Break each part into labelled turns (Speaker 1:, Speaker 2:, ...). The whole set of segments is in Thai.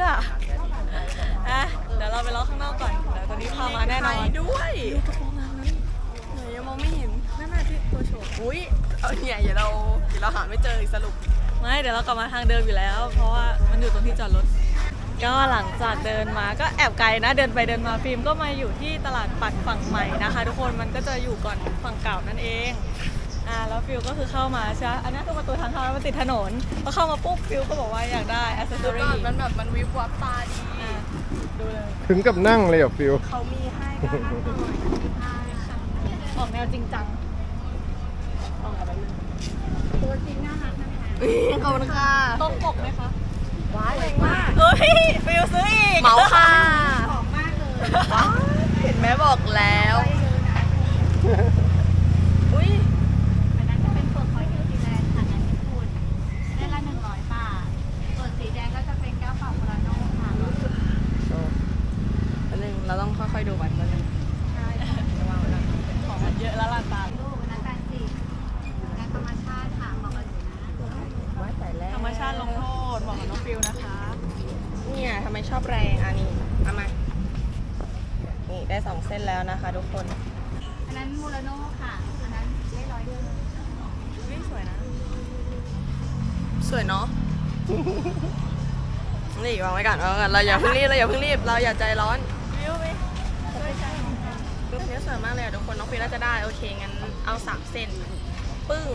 Speaker 1: พื่อเดี๋ยวเราไปรอข้างนอกก่อนเดี๋ยวตอนนี้พามาแน่นอน
Speaker 2: ด้วย
Speaker 1: กระโปรงนางนั้นไหนยังมองไม่เห็นนั่นน่ะที่ตัวโชว์
Speaker 2: อุ้ยเอาเนี่ยเดี๋ยวเราหาไม่เจอสรุป
Speaker 1: ไม่เดี๋ยวเรากลับมาทางเดิมอยู่แล้วเพราะว่ามันอยู่ตรงที่จอดรถก็หลังจากเดินมาก็แอบไกลนะเดินไปเดินมาฟิล์มก็มาอยู่ที่ตลาดปัดฝั่งใหม่นะคะทุกคนมันก็จะอยู่ก่อนฝั่งเก่านั่นเองแล้วฟิลก็คือเข้ามาใช่อันนี้คือประตูทางเข้าแล้วมันติดถนนพอเข้ามาปุ๊บฟิลก็บอกว่าอยากได้อ c เซสซอรี่
Speaker 2: มันแบบมันวิบวับตาดี
Speaker 1: ดูเลย
Speaker 3: ถึงกับนั่งเลยอ่ะฟิล
Speaker 2: เขามีให้กันหน่อย
Speaker 1: ออกแนวจริงจังออกอะไร
Speaker 2: ตัวจริงน่ารักนะคะขอบคุณค่ะ
Speaker 1: ตรงปกไหมคะ
Speaker 2: ว้ายแรงมาก
Speaker 1: เอ้ยฟิลซื้ออีก
Speaker 2: เหมาค่ะหอมมากเลยเห็นไหมบอกแล้วอุ้ย
Speaker 4: อันนั้นจะเป็นเปลือกหอยนิวซีแลนด์ค่ะงานญี่ปุ่นได้ละ100 บาทส่วนสีแดงก็จะเป็นแก้วเปล่าโคราโน่ค่ะ
Speaker 2: อันนึงเราต้องค่อยๆดูก่อนนิดนึง
Speaker 4: ใช่
Speaker 1: ของมันเยอะแล้วล่ะตา
Speaker 4: ลูกนั้น80งานธรรมชาติค่ะเหมาะกับหนูนะ
Speaker 2: ว้ายแต่แรก
Speaker 1: ธรรมชาติลงโทษบอกกับน้องฟิลนะคะ
Speaker 2: เนี่ยทำไมชอบแรงอันนี้เอามานี่ได้2เส้นแล้วนะคะทุกคน
Speaker 4: อันนั้นมูราโน่ค่ะอันนั้นได้100 เดือน
Speaker 1: สวยนะ
Speaker 2: สวยเนาะ นี่วางไว้ก่อนเราอย่าเพิ่งรีบเราอย่าใจร้อน
Speaker 1: ฟิลไหม
Speaker 2: รูปนี้สวยมากเลยทุกคนน้องฟิลน่าจะได้โอเคงั้นเอา3เส้นปึ้ง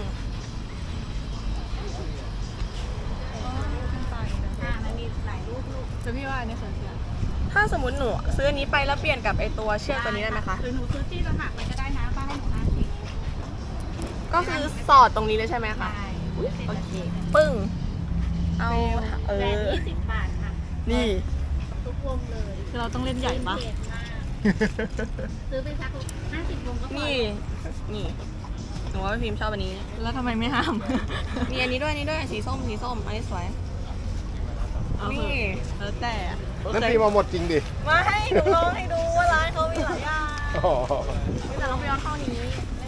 Speaker 4: มันมีหลายรูปลูก
Speaker 1: แต่พี่ว่าอันนี้สวยจริง
Speaker 2: ถ้าสมมติหนูซื้ออันนี้ไปแล้วเปลี่ยนกับไอตัวเชือกตัวนี้ได้ไหมคะ
Speaker 4: หรือหนูซื้อที่ต่างหากมันก็ได้นะป้าให้หนู50
Speaker 2: ก็คือสอดตรงนี้เลยใช่ไหมคะโอเคปึ้งเอา
Speaker 4: แบรนด์20 บาทค่ะ
Speaker 2: นี่
Speaker 4: ทุกวงเลย
Speaker 1: คือเราต้องเล่นใหญ่ปะ
Speaker 4: ซื้อไปสัก50 วงก็พอ
Speaker 2: นี่หนูว่าพี่พิมชอบอันนี้
Speaker 1: แล้วทำไมไม่ห้าม
Speaker 2: มีอันนี้ด้วยสีส้มอันนี้สวย
Speaker 1: นี่แล้วแต่
Speaker 3: นั่นฟิล์มเอาหมดจริงดิ
Speaker 1: มาให้หนูลองให้ดูว่าร้านเขามีหลายอย่าง
Speaker 2: แต่เราไปย้อนเข้านี้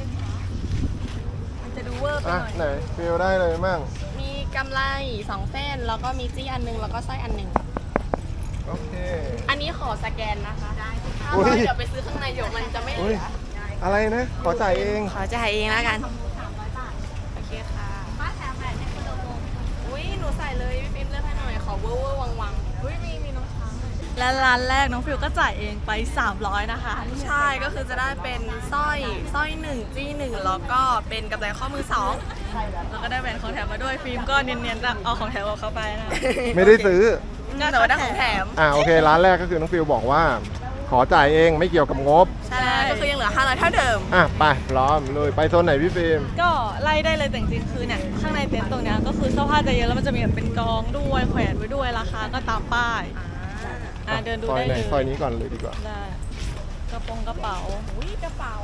Speaker 1: มันจะดูเวอร์ไปหน่อย
Speaker 3: ไหนฟิล์มได้เลยมั่ง
Speaker 2: มีกำไร2 เส้นแล้วก็มีจี้อันนึงแล้วก็สร้อยอันนึง
Speaker 3: โอเค
Speaker 2: อันนี้ขอสแกนนะคะได้เดี๋ยวไปซื้อข้างในเดี๋ยวมันจะไม่เหลือ
Speaker 3: อะไรนะขอจ่ายเอง
Speaker 2: แล้วกัน
Speaker 4: 300 บาท
Speaker 2: โอเคค่ะ
Speaker 4: ป้าแถมแบบในคนละวง
Speaker 2: อุ้ยหนูใส่เลยพี่ฟิล์มเลือกให้หน่อยขอเวอร์วัง
Speaker 1: อุ้ยมีน้องช้างและร้านแรกน้องฟิลก็จ่ายเองไป300นะคะ
Speaker 2: ใช่ก็คือจะได้เป็นสร้อย1จี้1แล้วก็เป็นกำไรข้อมือ2
Speaker 1: แล้วก็ได้แหวนของแถมมาด้วยฟิล์มก็เนียนๆเอาของแถมออกเข้าไปนะ
Speaker 3: ไม่ได้ซื้อ
Speaker 2: แต่ว่าได้ของแถม
Speaker 3: โอเคร้านแรกก็คือน้องฟิลบอกว่าขอจ่ายเองไม่เกี่ยวกับงบ
Speaker 2: ใช่ก็คือยังเหลือ500เท่าเดิม
Speaker 3: ไปพร้อมเลยไปโซนไหนพี่ฟิล์ม
Speaker 1: ก็ไล่ได้เลยแต่จริงๆคือเนี่ยข้างในเต็นท์ตรงนี้ก็คือเสื้อผ้าจะเยอะแล้วมันจะมีแบบเป็นกองด้วยแขวนไว้ด้วยราคาก็ตามป้ายเดินดูได้เลย
Speaker 3: ซอยนี้ก่อนเลยดีกว่า
Speaker 1: ได้กระเป๋า
Speaker 2: อุ้ยกระเป๋า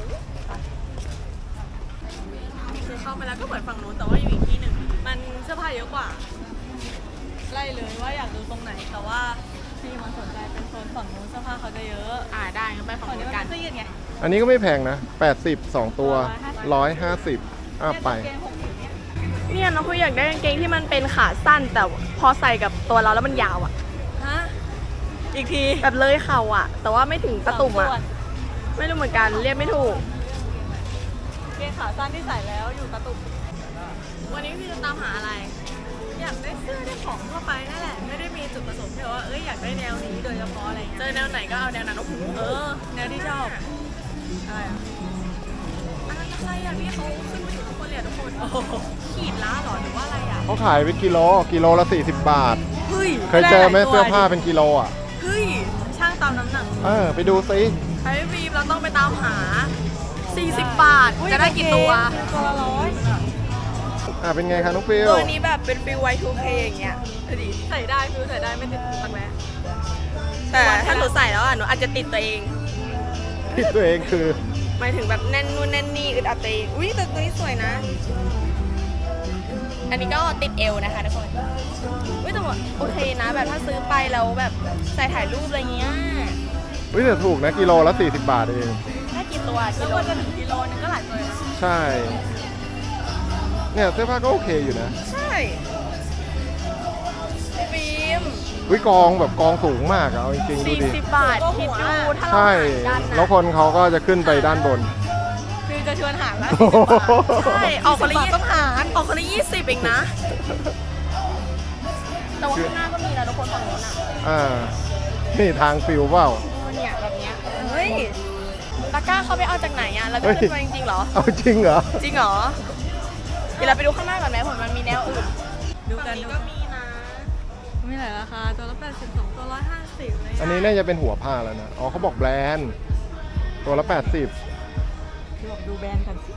Speaker 2: คือเข้าไปแล้วก็เหมือนฝั่งนู้นแต่ว่าอยู่อีกที่หนึ่ง
Speaker 1: มันเสื้อผ้าเยอะกว่าไล่เลยว่าอยากดูตรงไหนแต่ว่าที่มันสนใจเป็นโซนฝั่งนู้นเสื้อผ้าเขาจะเยอะ
Speaker 2: ได้ก็ไปฝั่งนู้นกัน
Speaker 3: อันนี้ก็ไม่แพงนะ80 2 ตัว150ไป
Speaker 2: เนี่ยน้องคุยอยากได้กางเกงที่มันเป็นขาสั้นแต่พอใส่กับตัวเราแล้วมันยาว
Speaker 1: อีกที
Speaker 2: แบบเลยเข่าแต่ว่าไม่ถึงตะตุ่มไม่รู้เหมือนกันเรียกไม่ถูก
Speaker 1: เกงขาสั้นที่ใส่แล้วอยู่ตะตุ่ม
Speaker 2: วันนี้พี่จะตามหาอะไร
Speaker 1: อยากได้เสื้อได้ของทั่วไปนั่นแหละไม่ได้มีจุดประสงค์ที่ว่าอยากได้แนวนี้โดยเฉพาะอะไร
Speaker 2: เจอแนวไหนก็เอาแนวนั้น
Speaker 1: แนวที่ชอบ
Speaker 2: อะไรอันนั้นอะไรพี่เขาขึ้นมาอยู่ทุกคนเลยทุกคนขีดล้าหรอหรือว่าอะไร
Speaker 3: เขาขายเป็นกิโลละ40 บาทเคยเจอไหมเสื้อผ้าเป็นกิโล
Speaker 2: เฮ้ย
Speaker 1: ช่างตามน้ำหนัก
Speaker 3: ไปดูซิ
Speaker 2: ไปฟิล์มเราต้องไปตามหา40 บาทจะได้กี่ตัว
Speaker 1: ละ100
Speaker 3: เป็นไงคะน้องฟิล
Speaker 2: ตัวนี้แบบเป็นฟิล Y2K อย่างเงี้ย
Speaker 1: ใส่ได้ฟิลใส่ได้ไม่ติดตักแร้
Speaker 2: แต่ถ้าหนูใส่แล้วหนูอาจจะติดตัวเอง
Speaker 3: คือ
Speaker 2: หมายถึงแบบแน่นนู่นแน่นนี่อึดอัดตัวเองแต่ตัวนี้สวยนะอันนี้ก็ติดเอวนะคะทุกคนแต่หมดโอเคนะแบบถ้าซื้อไปแล้วแบบใส่ถ่ายรูปอะไรเงี้ย
Speaker 3: แต่ถูกนะกิโลละ40 บาทเอง
Speaker 2: ได้กี่ตัว
Speaker 1: แล้วก็จะถึงกิโลนึงก็หลายตัว
Speaker 3: ใช่เนี่ยเสื้อผ้าก็โอเคอยู่นะ
Speaker 2: ใช่ฟิฟิล์ม
Speaker 3: วิกองแบบกองสูงมากอะเอาจริงๆดูดิ
Speaker 2: 40 บาทคิดดูถ้าเรา
Speaker 3: ใช่
Speaker 2: หารกัน
Speaker 3: แล้ว
Speaker 2: นะ
Speaker 3: คนเขาก็จะขึ้นไปด้านบน
Speaker 1: ฟิลจะชวนหารละ
Speaker 2: ใช่ออกคนละ
Speaker 1: 40 บาทต้องหาร
Speaker 2: ออกคนละ20เองนะ แต่ว่าข้างหน้าก็มีนะทุกคนฝั่งโน้นอ่ะ
Speaker 3: อ่า นี่ทางฟิวเปล่า
Speaker 2: เนี่ยแบบเนี้ยเฮ้ยตะกร้าเขาไปเอาจากไหนอ่ะเราจะ
Speaker 3: เฮ้ย
Speaker 2: ขึ้นไปจริงๆเหรอ
Speaker 3: เอาจริงเหรอ
Speaker 2: จริงเหรอ เดี๋ยวเราไปดูข้างหน้าก่อนไหมผมมันมีแนวอื่น
Speaker 1: ดูกั
Speaker 2: ฝั่
Speaker 1: น
Speaker 2: งนี้
Speaker 1: ดู
Speaker 2: ก็
Speaker 1: กัน
Speaker 2: มีนะ
Speaker 1: มีหลายราคาตัวละ82ตัว150เลย
Speaker 3: อันนี้น่าจะเป็นหัวผ้าแล้วนะ อ๋อเขาบอกแบรนด์ ตัวละ 80
Speaker 1: คือบอกดูแบรนด์กันสิ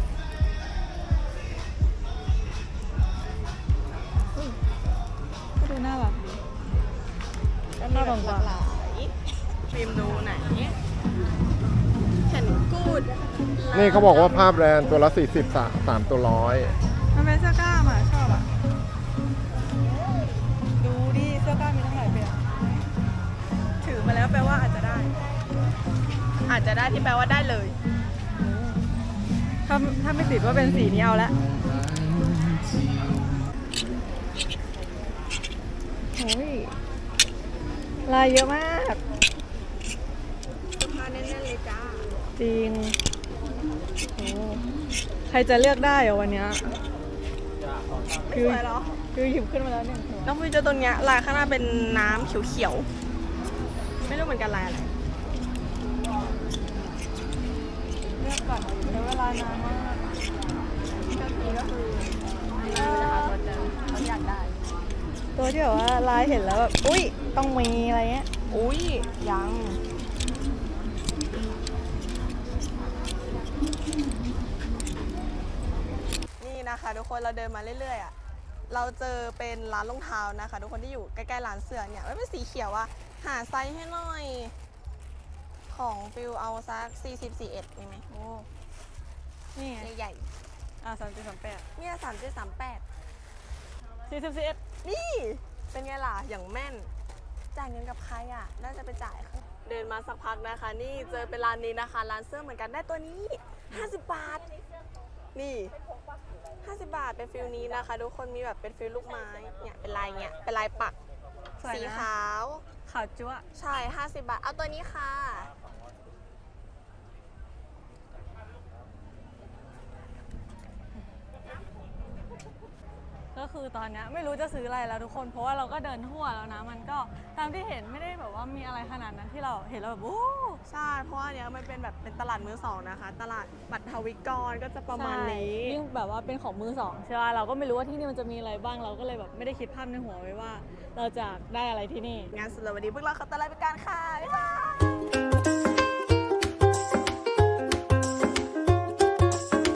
Speaker 1: อุ๊ยก็ดูน่ารักดี
Speaker 2: ก็มีแบบหลากหลายฟิล์มดูไหนแขนกูด
Speaker 3: นี่เขาบอกว่าผ้าแบรนด์ตัวละ 40 3ตัวร้อย
Speaker 1: มันเป็นเสื้อกล้ามอ่ะชอบอ่ะ ดูดิเสื้อกล้ามมีทั้งหลายแบบ
Speaker 2: ถือมาแล้วแปลว่าอาจจะได้ อาจจะได้ที่แปลว่าได้เลย
Speaker 1: ถ้าไม่ติดว่าเป็นสีนี้เอาละโอ้ยลายเยอะมาก
Speaker 2: ผ้าแน่นๆเลยจ้า
Speaker 1: จริงโอ้ใครจะเลือกได้เหรอวันเนี้ย
Speaker 2: ไม่สวยเหรอ
Speaker 1: คือหยิบขึ้นมาแล้วหนึ่งตัว
Speaker 2: น้องฟิวเจอตัวเนี้ยลายข้างหน้าเป็นน้ำเขียวๆ ไม่รู้เหมือนกันลายอะไร
Speaker 1: เลือกก่อนใช้เวลานานมาก
Speaker 2: ก็คือนะคะตัวเจอเขาอยากได้
Speaker 1: ตัวที่แบบว่าลายเห็นแล้วแบบอุ้ยต้องมีอะไรเงี้ย
Speaker 2: อุ้ยยัง นี่นะคะทุกคนเราเดินมาเรื่อยๆอ่ะ เราเจอเป็นร้านรองเท้านะคะ ทุกคนที่อยู่ใกล้ๆร้านเสื้อเนี่ยมันเป็นสีเขียวอะหาไซส์ให้หน่อย ของฟิลเอาสัก40 41มีไหม
Speaker 1: โอ้นี่ไง
Speaker 2: ใหญ่
Speaker 1: 3738
Speaker 2: เนี่ย3738
Speaker 1: 41
Speaker 2: นี่เป็นไงล่ะ อย่างแม่น จ่ายเงินกับใครอ่ะ น่าจะไปจ่ายค่ะเดินมาสักพักนะคะ นี่เจอเป็นร้านนี้นะคะ ร้านเสื้อเหมือนกันได้ตัวนี้ 50 บาท นี่ 50 บาทเป็นฟิลนี้นะคะ ทุกคนมีแบบเป็นฟิลลูกไม้ เนี่ยเป็นลายเนี่ยเป็นลายปัก
Speaker 1: สวยนะ
Speaker 2: สีขาว
Speaker 1: ขาวจั๊วะ
Speaker 2: ใช่ 50 บาท เอาตัวนี้ค่ะ
Speaker 1: ก็คือตอนเนี้ยไม่รู้จะซื้ออะไรแล้วทุกคน เพราะว่าเราก็เดินทั่วแล้วนะ มันก็ตามที่เห็นไม่ได้แบบว่ามีอะไรขนาดนั้นที่เราเห็นแล้วแบบโอ้
Speaker 2: ใช่ เพราะว่าเนี้ยมันเป็นแบบเป็นตลาดมือสองนะคะ ตลาดบัตรทวิกรก็จะประมาณนี้
Speaker 1: ใช่ยิ่งแบบว่าเป็นของมือสองใช่ป่ะเราก็ไม่รู้ว่าที่นี่มันจะมีอะไรบ้างเราก็เลยแบบไม่ได้คิดภาพในหัวไว้ว่า เราจะได้อะไรที่นี่
Speaker 2: งานสุดเลยวันนี้พวกเราขอตัวลาไปก่อนค่ะ